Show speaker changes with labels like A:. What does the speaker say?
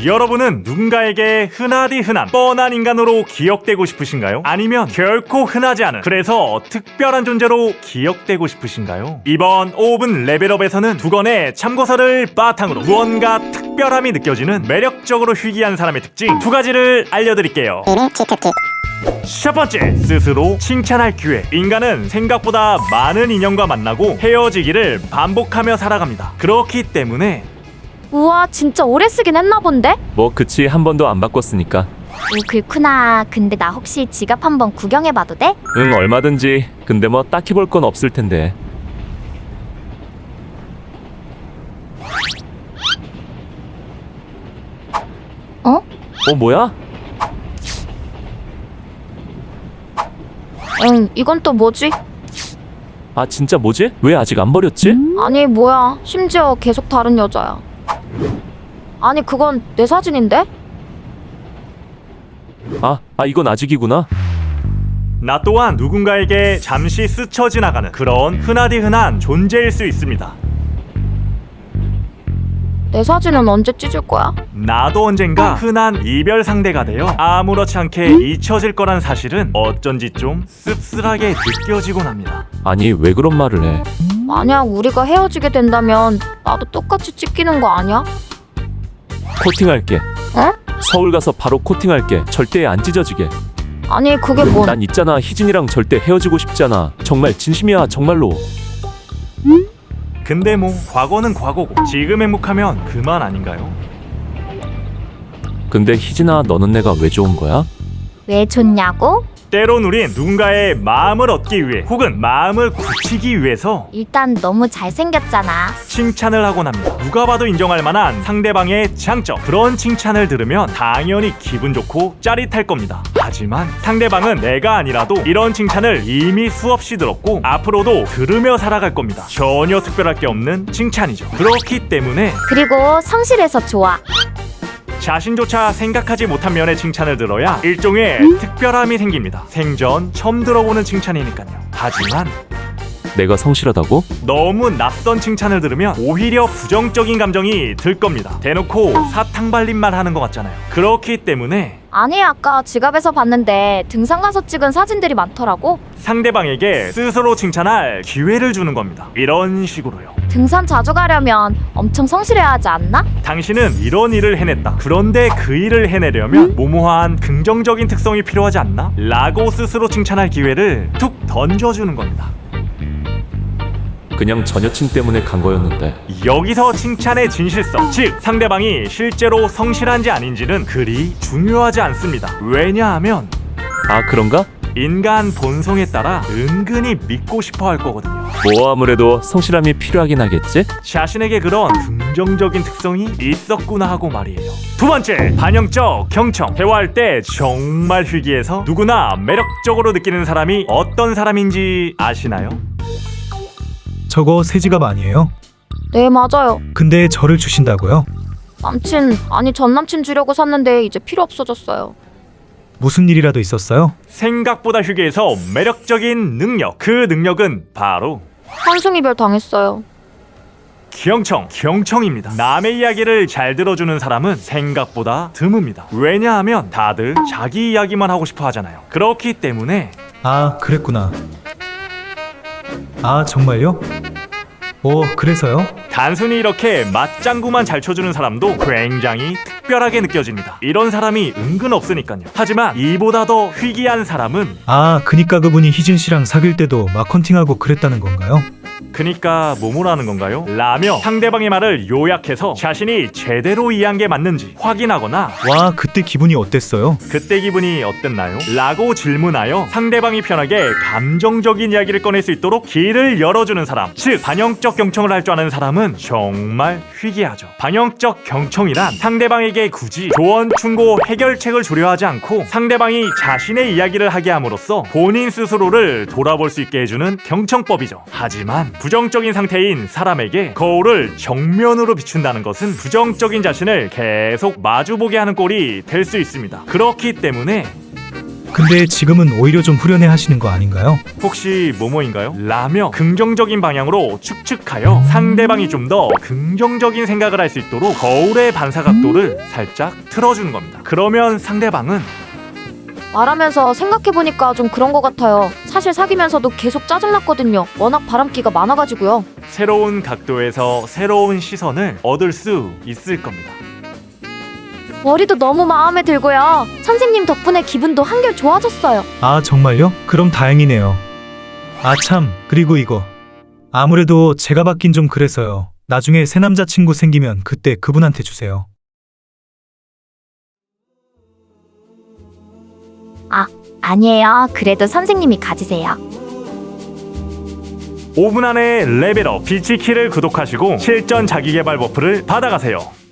A: 여러분은 누군가에게 흔하디 흔한 뻔한 인간으로 기억되고 싶으신가요? 아니면 결코 흔하지 않은 그래서 특별한 존재로 기억되고 싶으신가요? 이번 5분 레벨업에서는 두 권의 참고서를 바탕으로 무언가 특별함이 느껴지는 매력적으로 희귀한 사람의 특징 두 가지를 알려드릴게요. 첫 번째, 스스로 칭찬할 기회. 인간은 생각보다 많은 인연과 만나고 헤어지기를 반복하며 살아갑니다. 그렇기 때문에
B: 우와, 진짜 오래 쓰긴 했나 본데?
C: 뭐 그치, 한 번도 안 바꿨으니까.
B: 오, 그렇구나. 근데 나 혹시 지갑 한번 구경해봐도 돼?
C: 응, 얼마든지. 근데 뭐 딱히 볼 건 없을 텐데.
B: 어?
C: 뭐야?
B: 응, 이건 또 뭐지?
C: 아, 진짜 뭐지? 왜 아직 안 버렸지?
B: 아니, 뭐야. 심지어 계속 다른 여자야. 아니, 그건 내 사진인데?
C: 이건 아직이구나.
A: 나 또한 누군가에게 잠시 스쳐 지나가는 그런 흔하디 흔한 존재일 수 있습니다.
B: 내 사진은 언제 찢을 거야?
A: 나도 언젠가 흔한 이별 상대가 되어 아무렇지 않게 잊혀질 거란 사실은 어쩐지 좀 씁쓸하게 느껴지곤 합니다.
C: 아니, 왜 그런 말을 해?
B: 만약 우리가 헤어지게 된다면 나도 똑같이 찢기는 거 아니야?
C: 코팅할게.
B: 어?
C: 서울 가서 바로 코팅할게. 절대 안 찢어지게.
B: 아니, 그게 뭔...
C: 난 있잖아, 희진이랑 절대 헤어지고 싶잖아. 정말 진심이야, 정말로.
A: 근데 뭐 과거는 과거고 지금 행복하면 그만 아닌가요?
C: 근데 희진아, 너는 내가 왜 좋은 거야?
B: 왜 좋냐고?
A: 때론 우린 누군가의 마음을 얻기 위해 혹은 마음을 굳히기 위해서
B: 일단 너무 잘생겼잖아.
A: 칭찬을 하곤 합니다. 누가 봐도 인정할 만한 상대방의 장점, 그런 칭찬을 들으면 당연히 기분 좋고 짜릿할 겁니다. 하지만 상대방은 내가 아니라도 이런 칭찬을 이미 수없이 들었고 앞으로도 들으며 살아갈 겁니다. 전혀 특별할 게 없는 칭찬이죠. 그렇기 때문에
B: 그리고 성실해서 좋아.
A: 자신조차 생각하지 못한 면의 칭찬을 들어야 일종의 특별함이 생깁니다. 생전 처음 들어보는 칭찬이니까요. 하지만
C: 내가 성실하다고?
A: 너무 낯선 칭찬을 들으면 오히려 부정적인 감정이 들 겁니다. 대놓고 사탕 발림만 하는 것 같잖아요. 그렇기 때문에
B: 아니, 아까 지갑에서 봤는데 등산 가서 찍은 사진들이 많더라고.
A: 상대방에게 스스로 칭찬할 기회를 주는 겁니다. 이런 식으로요.
B: 등산 자주 가려면 엄청 성실해야 하지 않나?
A: 당신은 이런 일을 해냈다. 그런데 그 일을 해내려면 모모한 긍정적인 특성이 필요하지 않나? 라고 스스로 칭찬할 기회를 툭 던져주는 겁니다.
C: 그냥 전 여친 때문에 간 거였는데.
A: 여기서 칭찬의 진실성, 즉 상대방이 실제로 성실한지 아닌지는 그리 중요하지 않습니다. 왜냐하면
C: 아, 그런가?
A: 인간 본성에 따라 은근히 믿고 싶어 할 거거든요.
C: 뭐 아무래도 성실함이 필요하긴 하겠지?
A: 자신에게 그런 긍정적인 특성이 있었구나 하고 말이에요. 두 번째, 반영적 경청. 대화할 때 정말 희귀해서 누구나 매력적으로 느끼는 사람이 어떤 사람인지 아시나요?
D: 저거 새 지갑 아니에요?
B: 네, 맞아요.
D: 근데 저를 주신다고요?
B: 남친, 아니 전남친 주려고 샀는데 이제 필요 없어졌어요.
D: 무슨 일이라도 있었어요?
A: 생각보다 희귀해서 매력적인 능력. 그 능력은 바로
B: 환승이별 당했어요.
A: 경청입니다. 남의 이야기를 잘 들어주는 사람은 생각보다 드뭅니다. 왜냐하면 다들 자기 이야기만 하고 싶어 하잖아요. 그렇기 때문에
D: 아, 그랬구나. 아, 정말요? 그래서요?
A: 단순히 이렇게 맞장구만 잘 쳐주는 사람도 굉장히 특별하게 느껴집니다. 이런 사람이 은근 없으니까요. 하지만 이보다 더 희귀한 사람은
D: 아, 그니까 그분이 희진 씨랑 사귈 때도 막 헌팅하고 그랬다는 건가요?
A: 그니까 뭐뭐라는 건가요? 라며 상대방의 말을 요약해서 자신이 제대로 이해한 게 맞는지 확인하거나
D: 와, 그때 기분이 어땠어요?
A: 그때 기분이 어땠나요? 라고 질문하여 상대방이 편하게 감정적인 이야기를 꺼낼 수 있도록 길을 열어주는 사람, 즉 반영적 경청을 할 줄 아는 사람은 정말 희귀하죠. 반영적 경청이란 상대방에게 굳이 조언, 충고, 해결책을 주려 하지 않고 상대방이 자신의 이야기를 하게 함으로써 본인 스스로를 돌아볼 수 있게 해주는 경청법이죠. 하지만 부정적인 상태인 사람에게 거울을 정면으로 비춘다는 것은 부정적인 자신을 계속 마주보게 하는 꼴이 될 수 있습니다. 그렇기 때문에
D: 근데 지금은 오히려 좀 후련해 하시는 거 아닌가요?
A: 혹시 뭐뭐인가요? 라며 긍정적인 방향으로 축축하여 상대방이 좀 더 긍정적인 생각을 할 수 있도록 거울의 반사각도를 살짝 틀어주는 겁니다. 그러면 상대방은
B: 말하면서 생각해보니까 좀 그런 것 같아요. 사실 사귀면서도 계속 짜증났거든요. 워낙 바람기가 많아가지고요.
A: 새로운 각도에서 새로운 시선을 얻을 수 있을 겁니다.
B: 머리도 너무 마음에 들고요. 선생님 덕분에 기분도 한결 좋아졌어요.
D: 아, 정말요? 그럼 다행이네요. 아, 참. 그리고 이거. 아무래도 제가 받긴 좀 그래서요. 나중에 새 남자친구 생기면 그때 그분한테 주세요.
B: 아니에요. 그래도 선생님이 가지세요.
A: 5분 안에 레벨업 비치키를 구독하시고 실전 자기개발 버프를 받아가세요.